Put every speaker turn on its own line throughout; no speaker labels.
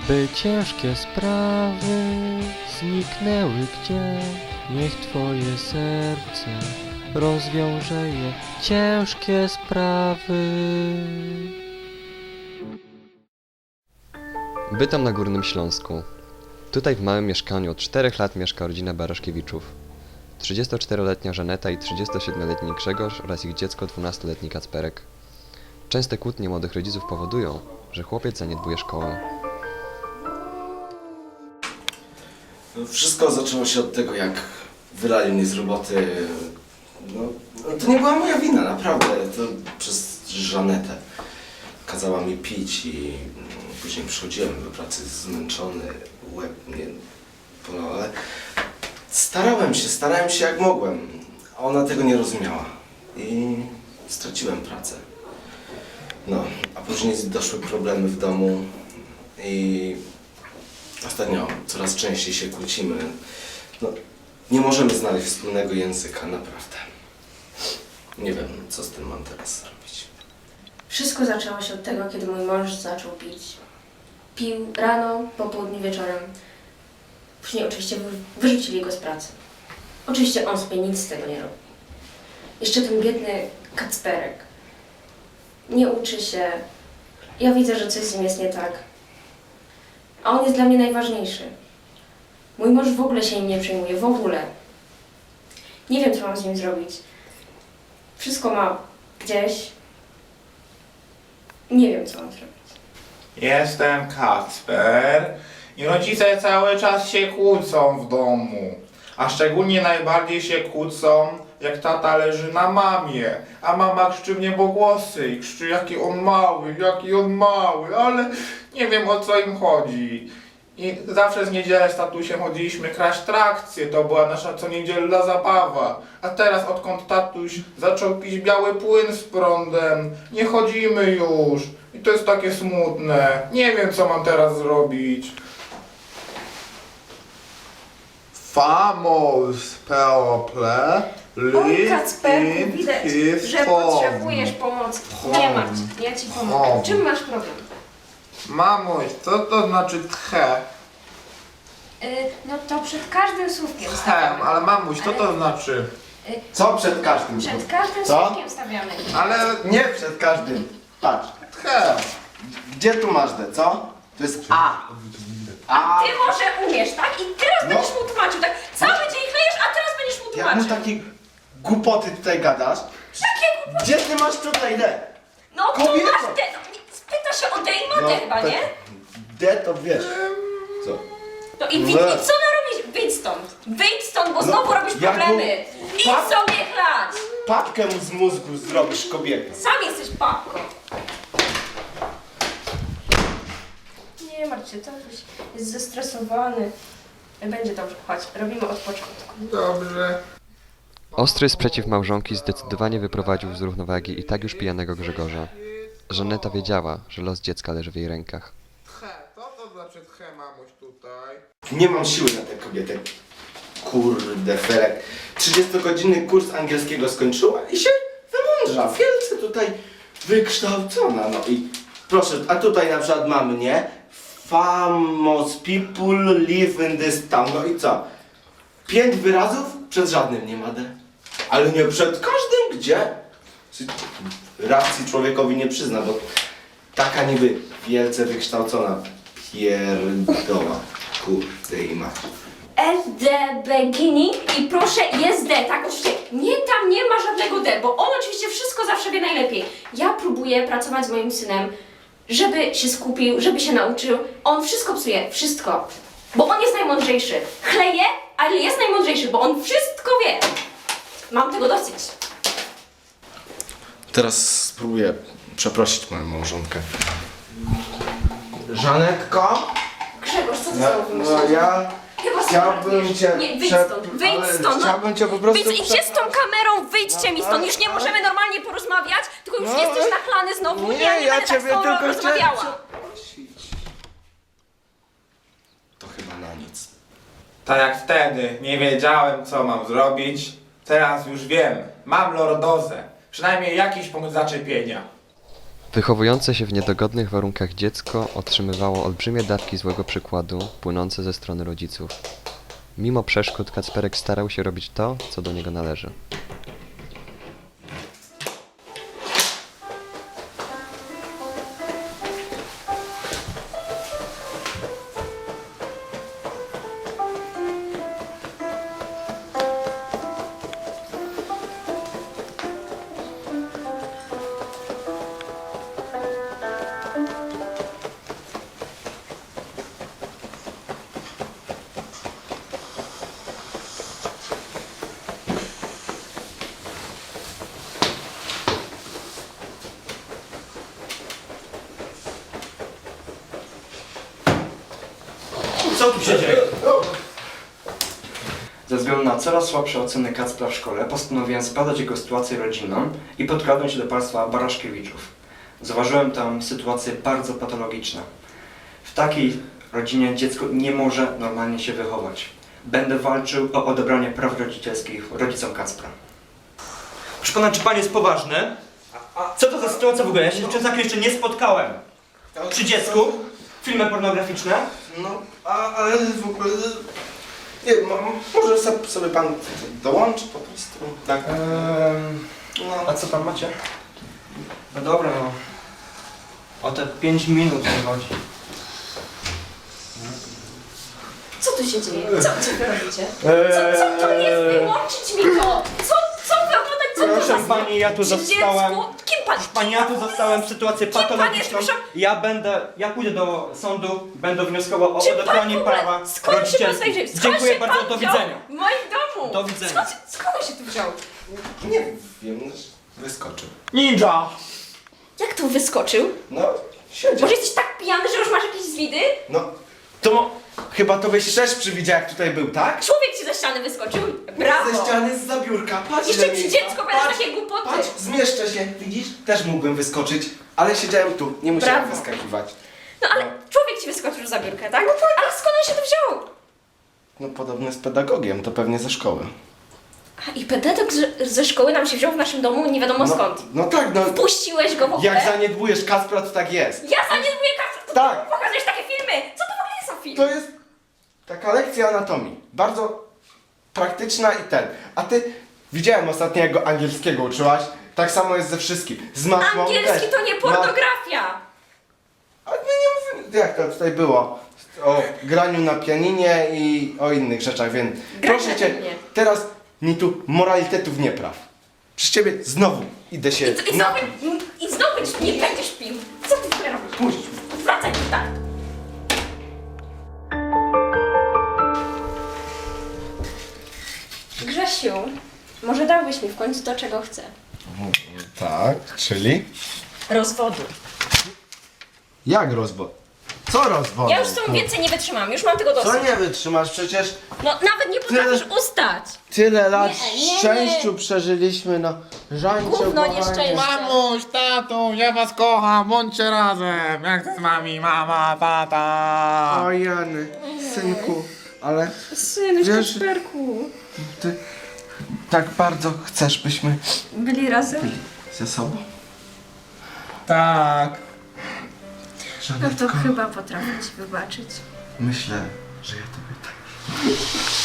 By ciężkie sprawy zniknęły gdzie, niech Twoje serce rozwiąże je. Ciężkie sprawy.
Bytom na Górnym Śląsku. Tutaj w małym mieszkaniu od 4 lat mieszka rodzina Baraszkiewiczów. 34-letnia Żaneta i 37-letni Grzegorz oraz ich dziecko 12-letni Kacperek. Częste kłótnie młodych rodziców powodują, że chłopiec zaniedbuje szkołę.
Wszystko zaczęło się od tego, jak wylali mnie z roboty. No, to nie była moja wina, naprawdę. To przez Żanetę. Kazała mi pić i później przychodziłem do pracy zmęczony, łeb mnie bolał, ale starałem się jak mogłem. A ona tego nie rozumiała i straciłem pracę. No, a później doszły problemy w domu i ostatnio coraz częściej się kłócimy. No, nie możemy znaleźć wspólnego języka, naprawdę. Nie wiem, co z tym mam teraz zrobić.
Wszystko zaczęło się od tego, kiedy mój mąż zaczął pić. Pił rano, po południu, wieczorem. Później oczywiście wyrzucili go z pracy. Oczywiście on sobie nic z tego nie robi. Jeszcze ten biedny Kacperek. Nie uczy się. Ja widzę, że coś z nim jest nie tak. A on jest dla mnie najważniejszy. Mój mąż w ogóle się nim nie przejmuje, w ogóle. Nie wiem, co mam z nim zrobić. Wszystko ma gdzieś. Nie wiem, co mam zrobić.
Jestem Kacper i rodzice cały czas się kłócą w domu. A szczególnie najbardziej się kłócą, jak tata leży na mamie, a mama krzyczy w niebogłosy i krzyczy jaki on mały, ale nie wiem o co im chodzi. I zawsze z niedzielę z tatusiem chodziliśmy kraść trakcje, to była nasza coniedzielna zabawa. A teraz odkąd tatuś zaczął pić biały płyn z prądem, nie chodzimy już. I to jest takie smutne. Nie wiem co mam teraz zrobić. Famos people
Oj, Kacperku, widać, że potrzebujesz pomocy. Nie martw, ja ci pomogę. Czym masz problem?
Mamuś, co to znaczy tche?
No to przed każdym słówkiem
Tchem,
stawiamy.
ale mamuś, co to znaczy?
Co przed każdym?
Przed każdym
Co?
słówkiem stawiamy.
Ale
Nie przed każdym. Patrz.
tchem.
Gdzie tu masz D, co? To jest A. A.
Ty może umiesz, tak? I teraz
No.
będziesz mu tłumaczył, tak? Cały dzień chlejesz, a teraz będziesz mu
Jak mu
tłumaczył.
takie głupoty tutaj gadasz?
Jakie głupoty?
Gdzie ty masz tutaj D?
No tu
Kobieto!
masz te... No, spyta się o D i ma D chyba, nie?
D to wiesz. Co?
No i co narobisz? Wyjdź stąd, bo znowu robisz
jak mu-
problemy. Idź
Pap-
sobie chlać.
Papkę mu z mózgu zrobisz, kobieta.
Sam jesteś papką. Nie martw się, tatuś jest zestresowany. Będzie dobrze, chodź, robimy od początku.
Dobrze.
Ostry sprzeciw małżonki zdecydowanie wyprowadził z równowagi i tak już pijanego Grzegorza. Żaneta wiedziała, że los dziecka leży w jej rękach.
Tche, co to znaczy tche, mamuś tutaj?
Nie mam siły na tę kobietę. Kurde, Felek. 30-godzinny kurs angielskiego skończyła i się wymądrza. Wielce tutaj wykształcona. No i proszę, a tutaj na przykład mamy, nie? Famous people live in this town. No i co? 5 wyrazów? Przed żadnym nie ma D. Ale nie przed każdym, gdzie? Racji człowiekowi nie przyzna, bo taka niby wielce wykształcona pierdoła. Kurde i mać.
SD beginning i proszę jest D, tak? Oczywiście nie, tam nie ma żadnego D, bo on oczywiście wszystko zawsze wie najlepiej. Ja próbuję pracować z moim synem, żeby się skupił, żeby się nauczył. On wszystko psuje, wszystko. Bo on jest najmądrzejszy. Chleje, ale jest najmądrzejszy, bo on wszystko wie. Mam tego dosyć.
Teraz spróbuję przeprosić moją małżonkę. Żanetko?
Grzegorz, co ty znowu
No
wymyśliłeś?
ja
Chyba
chciałbym
sobie
cię...
Nie, wyjdź
prze-
stąd, wyjdź
ale
stąd. no.
Chciałbym cię po prostu...
Wyjdź, idźcie z tą kamerą, wyjdźcie mi stąd, już nie możemy normalnie porozmawiać, tylko już jesteś nachlany znowu,
nie,
ja nie
ja
będę tak
ciebie
z tobą
tylko
rozmawiała.
To chyba na nic.
Tak jak wtedy nie wiedziałem co mam zrobić, teraz już wiem. Mam lordozę. Przynajmniej jakiś punkt zaczepienia.
Wychowujące się w niedogodnych warunkach dziecko otrzymywało olbrzymie dawki złego przykładu płynące ze strony rodziców. Mimo przeszkód Kacperek starał się robić to, co do niego należy.
Co tu się dzieje? Ze względu na coraz słabsze oceny Kacpra w szkole postanowiłem zbadać jego sytuację rodzinną i podkradłem się do państwa Baraszkiewiczów. Zauważyłem tam sytuacje bardzo patologiczne. W takiej rodzinie dziecko nie może normalnie się wychować. Będę walczył o odebranie praw rodzicielskich rodzicom Kacpra.
Proszę pana, czy pan jest poważny? A co to za sytuacja w ogóle? Ja się z czymś takim jeszcze nie spotkałem. Przy dziecku? Filmy pornograficzne?
No, ale w ogóle... Nie, może sobie pan dołączy po prostu. Tak. No.
A co tam macie? No dobra, no. O te 5 minut nie chodzi.
Co tu się dzieje? Co wy robicie? Co to jest? Wyłączyć mi to! Co wy oglądać? Co to
Proszę
za
pani, ja tu
przy
zostałem.
dziecku? Kim pan?
Pani, ja tu zostałem w sytuację
pan jest,
patologiczną.
proszę?
Ja pójdę do sądu, będę wnioskował o
Czy pan
odebranie
w ogóle...
prawa
Skąd się pan
rodzicielskie.
znajdzie? Skąd
Dziękuję
się
bardzo,
pan
do
wziął
widzenia.
w moim domu!
Do widzenia.
Skąd on się tu wziął?
Nie wiem, wyskoczył.
Ninja!
Jak tu wyskoczył?
No, siedział.
Może jesteś tak pijany, że już masz jakieś zwidy?
No, chyba to byś też przywidział, jak tutaj był, tak?
Człowiek ci ze ściany wyskoczył? Brawo!
Ze ściany, z zabiórka, patrz
Jeszcze
ile
przy
miejsca.
dziecko będą
Patrz,
takie głupoty.
Patrz, zmieszczę się, widzisz? Też mógłbym wyskoczyć, ale siedziałem tu, nie musiałem
Brawo.
wyskakiwać.
No ale człowiek ci wyskoczył za biurkę, tak? Ale skąd on się tu wziął?
No podobny z pedagogiem, to pewnie ze szkoły.
A i pedagog ze szkoły nam się wziął w naszym domu nie wiadomo skąd.
No tak, no.
Puściłeś go w ogóle?
Jak zaniedbujesz Kacpra, to tak jest.
Ja zaniedbuję kasę!
Tak.
Pokazujesz takie filmy! Co to w ogóle jest za film?
To jest taka lekcja anatomii. Bardzo praktyczna i ten. A ty, widziałem ostatnio, jak go angielskiego uczyłaś. Tak samo jest ze wszystkim. Z matmą
Angielski
też.
to nie pornografia!
A nie mówię, jak to tutaj było? O graniu na pianinie i o innych rzeczach, więc
Grać
proszę
na
cię,
pianinie.
teraz mi tu moralitetów nie praw. Przez ciebie znowu idę się napić.
I znowu nie będziesz pił. Co ty w ogóle robisz?
Puść.
Wracaj tutaj! Grzesiu, może dałbyś mi w końcu to, czego chcę.
Tak, czyli?
Rozwodu.
Jak rozwód? Co rozwód?
Ja już z tą więcej nie wytrzymam, już mam tego dosyć.
Co nie wytrzymasz? Przecież
No nawet nie potrafisz ustać.
tyle lat
Nie.
szczęściu przeżyliśmy, no. Żańcie,
Gówno
kochanie.
nieszczęście.
Mamuś, tatu, ja was kocham, bądźcie razem. Jak to z wami, mama, tata.
O Jany, synku, ale
Synuś,
Wiesz-
Kacperku.
ty tak bardzo chcesz, byśmy
Byli razem?
ze sobą.
Tak.
No to chyba potrafię ci wybaczyć.
Myślę, że ja tobie tak.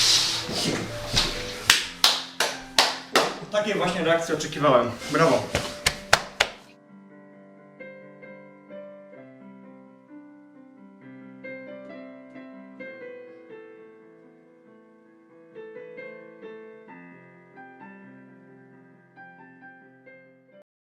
Takiej właśnie reakcji oczekiwałem. Brawo.